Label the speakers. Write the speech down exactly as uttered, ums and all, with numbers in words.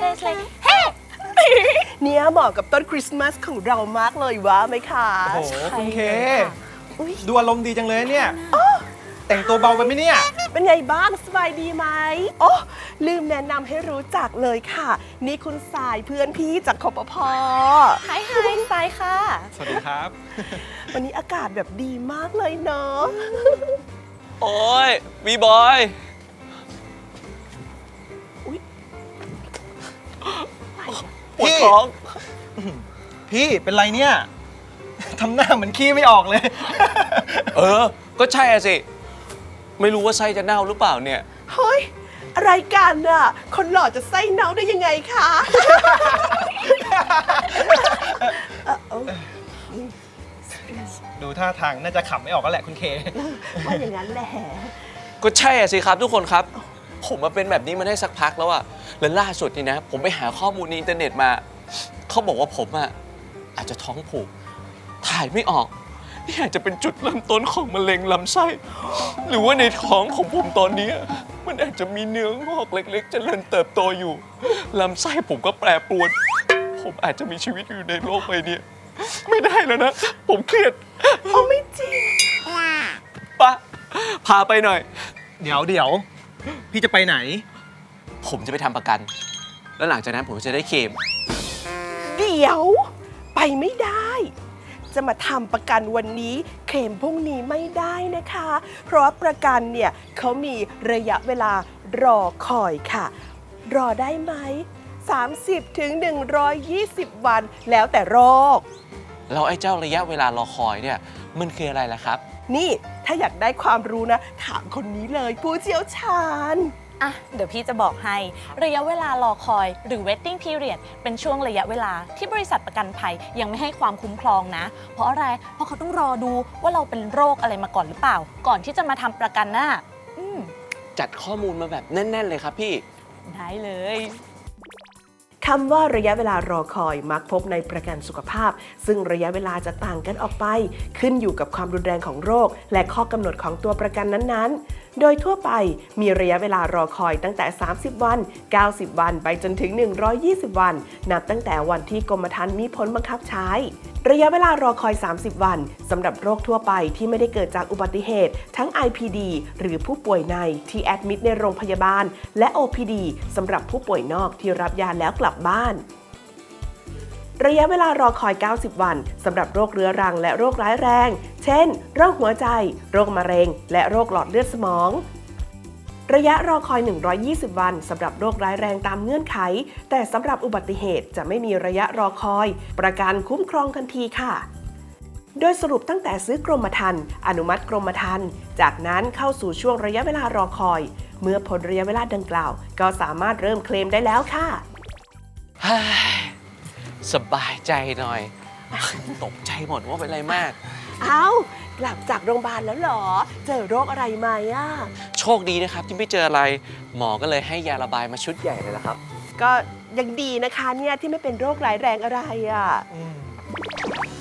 Speaker 1: เลสเลเฮ้
Speaker 2: เนี่ยเหมาะกับต้นคริสต์มาสของเรามากเลยว่าไหมคะ
Speaker 3: โอ้โหคุณเค
Speaker 2: อุ๊ย
Speaker 3: ดูอารมณ์ดีจังเลยเนี่ยแต่งตัวเบาไปไหมเนี่ย
Speaker 2: เป็นไงบ้างสบายดีไหมโอ้ลืมแนะนำให้รู้จักเลยค่ะ นี่คุณสายเพื่อนพี่จากคปพ.
Speaker 1: ไฮไฮสายค่ะ
Speaker 3: สวัสดีครับ
Speaker 2: วันนี้อากาศแบบดีมากเลยเนาะ
Speaker 4: โอ้ยวีบอย ปวดท้อง
Speaker 3: พี่เป็นไรเนี่ยทำหน้าเหมือนขี้ไม่ออกเลย
Speaker 4: เออ ก็ใช่อะสิ ไม่รู้ว่าไส้จะเน่าหรือเปล่าเนี่ย
Speaker 2: เฮ้ย อะไรกันน่ะ คนหล่อจะไส้เน่าได้ยังไงคะเอ่อเอ้า
Speaker 3: ดูท่าทางน่าจะขำไม่ออกก็แหละคุณเค
Speaker 2: ว่าอย่างนั้นแหละ
Speaker 4: ก็ใช่อะสิครับทุกคนครับ ผมมาเป็นแบบนี้มาได้สักพักแล้วอะและล่าสุดนี่นะ ผมไปหาข้อมูลในอินเทอร์เน็ตมา เขาบอกว่าผมอะอาจจะท้องผูก ถ่ายไม่ออกนี่อาจจะเป็นจุดเริ่มต้นของมะเร็งลำไส้ หรือว่าในท้องของผมตอนนี้ มันอาจจะมีเนื้องอกเล็กๆเจริญเติบโตอยู่ลำไส้ผมก็แปรปรวน ผมอาจจะมีชีวิตอยู่ในโลกใบนี้ไม่ได้แล้วนะ ผมเครียด
Speaker 2: เอาไม่จริง
Speaker 4: ปะพาไปหน่อย
Speaker 3: เดี๋ยวเดี๋ยวพี่จะไปไหน
Speaker 4: ผมจะไปทำประกัน แล้วหลังจากนั้นผมจะได้เคลม
Speaker 2: เดี๋ยว ไปไม่ได้ จะมาทำประกันวันนี้เคลมพรุ่งนี้ไม่ได้นะคะ เพราะว่าประกันเนี่ยเขามีระยะเวลารอคอยค่ะ รอได้ไหม สามสิบถึงหนึ่งร้อยยี่สิบ วันแล้วแต่โรค
Speaker 4: แล้วไอ้เจ้าระยะเวลารอคอยเนี่ยมันคืออะไรล่ะครับ
Speaker 2: นี่ถ้าอยากได้ความรู้นะ ถามคนนี้เลยผู้เชี่ยวชาญ
Speaker 1: อ่ะ เดี๋ยวพี่จะบอกให้ ระยะเวลารอคอยหรือ waiting period เป็นช่วงระยะเวลาที่บริษัทประกันภัยยังไม่ให้ความคุ้มครองนะ เพราะอะไร เพราะเขาต้องรอดูว่าเราเป็นโรคอะไรมาก่อนหรือเปล่า ก่อนที่จะมาทำประกันน่ะอืม
Speaker 4: จัดข้อมูลมาแบบแน่น ๆ เลยครับพี่
Speaker 1: ได้เลย
Speaker 2: คำว่าระยะเวลารอคอยมักพบในประกันสุขภาพ ซึ่งระยะเวลาจะต่างกันออกไป ขึ้นอยู่กับความรุนแรงของโรค และข้อกำหนดของตัวประกันนั้นๆ โดยทั่วไปมีระยะเวลารอคอยตั้งแต่ สามสิบ วัน เก้าสิบ วัน ไปจนถึง หนึ่งร้อยยี่สิบ วัน นับตั้งแต่วันที่กรมธรรม์มีผลบังคับใช้ ระยะเวลารอคอย สามสิบ วันสำหรับโรคทั่วไปที่ไม่ได้เกิดจากอุบัติเหตุ ทั้ง ไอ พี ดี หรือผู้ป่วยในที่แอดมิดในโรงพยาบาล และ โอ พี ดี สำหรับผู้ป่วยนอกที่รับยาแล้วกลับบ้าน ระยะเวลารอคอย เก้าสิบ วันสำหรับโรคเรื้อรังและโรคร้ายแรง เช่น โรคหัวใจ โรคมะเร็ง และโรคหลอดเลือดสมอง ระยะรอคอย หนึ่งร้อยยี่สิบ วันสำหรับโรคร้ายแรงตามเงื่อนไข แต่สำหรับอุบัติเหตุจะไม่มีระยะรอคอย ประกันคุ้มครองทันทีค่ะ โดยสรุปตั้งแต่ซื้อกรมธรรม์อนุมัติกรมธรรม์จากนั้นเข้าสู่ช่วงระยะเวลารอคอย เมื่อพ้นระยะเวลาดังกล่าว ก็สามารถเริ่มเคลมได้แล้วค่ะ
Speaker 4: สบายใจหน่อย ตกใจหมดว่าเป็นอะไรมาก
Speaker 2: เอ้ากลับจากโรงพยาบาลแล้วเหรอ เจอโรคอะไรไหมอ่ะ
Speaker 4: โชคดีนะครับที่ไม่เจออะไร หมอก็เลยให้ยาระบายมาชุดใหญ่เลยละครับ
Speaker 2: ก็ยังดีนะคะเนี่ยที่ไม่เป็นโรคร้ายแรงอะไรอ่ะ
Speaker 3: อืม